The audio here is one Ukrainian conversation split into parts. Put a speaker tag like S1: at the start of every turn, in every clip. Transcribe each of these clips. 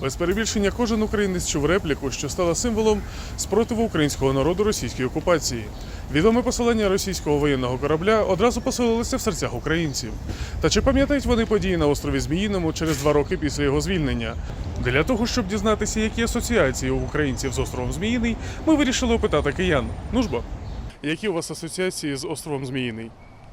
S1: Без перебільшення кожен українець чув репліку, що стала символом спротиву українського народу російській окупації. Відоме посилання російського воєнного корабля одразу поселилося в серцях українців. Та чи пам'ятають вони події на острові Зміїному через 2 роки після його звільнення? Для того, щоб дізнатися, які асоціації у українців з островом Зміїний, ми вирішили опитати киян. Ну ж бо, які у вас асоціації з островом Зміїний?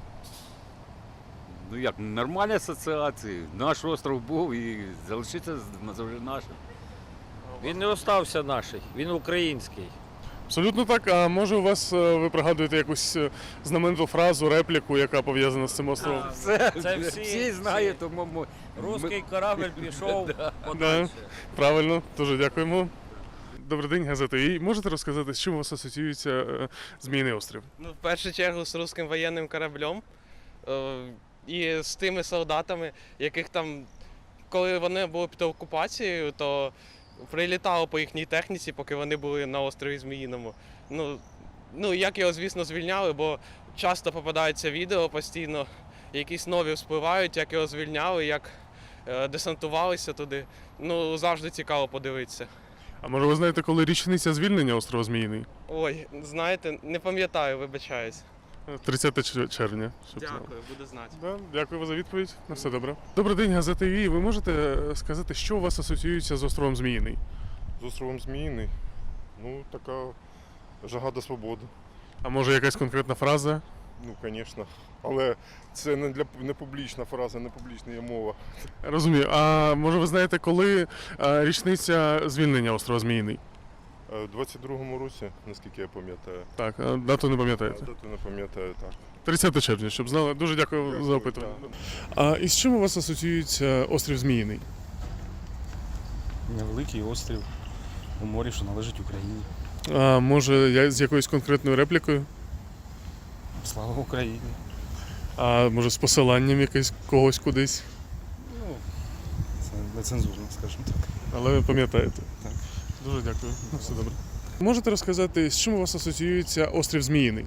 S2: Ну як, нормальні асоціації. Наш остров був і залишиться назавжди нашим.
S3: Він не остався наш, він український.
S1: Абсолютно так. А може у вас, ви пригадуєте якусь знамениту фразу, репліку, яка пов'язана з цим островом?
S3: Це
S2: Всі знають, тому
S3: Русський корабль пішов
S1: Да,
S3: подальше.
S1: правильно, дуже дякуємо. Добрий день, газета «Вій». Можете розказати, з чим у вас асоціюється Зміїний острів?
S4: Ну, в першу чергу з руським воєнним кораблем і з тими солдатами, яких там, коли вони були під окупацією, то прилітало по їхній техніці, поки вони були на острові Зміїному. Ну, як його, звісно, звільняли, бо часто попадаються відео постійно, якісь нові вспливають, як його звільняли, як десантувалися туди. Ну, завжди цікаво подивитися.
S1: А може ви знаєте, коли річниця звільнення острова Зміїний?
S4: Ой, знаєте, не пам'ятаю, вибачаюсь.
S1: 30 червня. Щоб знали.
S4: Дякую, буду знати.
S1: Да, дякую за відповідь. На все добре. Добрий день, газета «Вій». Ви можете сказати, що у вас асоціюється з островом Зміїний?
S5: З островом Зміїний. Ну, така жага до свободи.
S1: А може якась конкретна фраза?
S5: Ну, звісно. Але це не публічна фраза, не публічна є мова.
S1: Розумію. А може ви знаєте, коли річниця звільнення острова Зміїний?
S5: У 22-му році, наскільки я пам'ятаю.
S1: Так, дату не пам'ятаєте?
S5: Дату не пам'ятаю, так.
S1: 30 червня, щоб знали. Дуже дякую за опитування. А із чим у вас асоціюється острів Зміїний?
S6: Невеликий острів у морі, що належить Україні.
S1: А може з якоюсь конкретною реплікою?
S6: Слава Україні!
S1: А може з посиланням якесь когось кудись?
S6: Ну, це нецензурно, скажімо так.
S1: Але ви пам'ятаєте?
S6: Так.
S1: Дуже дякую. Ну, все добре. Можете розказати, з чим у вас асоціюється острів Зміїний?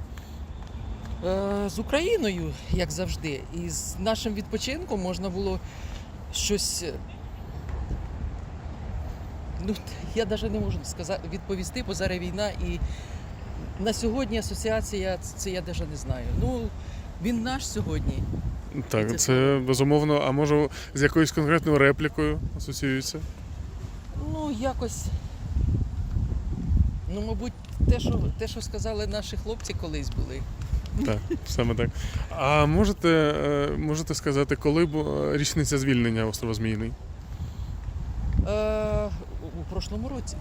S7: З Україною, як завжди, і з нашим відпочинком можна було щось. Ну, я навіть не можу відповісти, бо зараз війна, і на сьогодні асоціація, це я навіть не знаю. Ну, він наш сьогодні.
S1: Так, це безумовно. А може з якоюсь конкретною реплікою асоціюється?
S7: Ну, якось. Ну, мабуть, те, що сказали наші хлопці колись були.
S1: Так, саме так. А можете сказати, коли була річниця звільнення острова Зміїний?
S7: У прошлому році.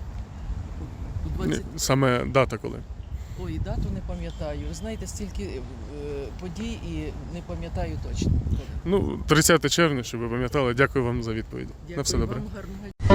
S7: У 20...
S1: Саме дата коли?
S7: Ой, дату не пам'ятаю. Знаєте, стільки подій і не пам'ятаю точно.
S1: Ну, 30 червня, щоб ви пам'ятали. Дякую вам за відповідь.
S7: Дякую
S1: На все добре.
S7: вам, гарного дня.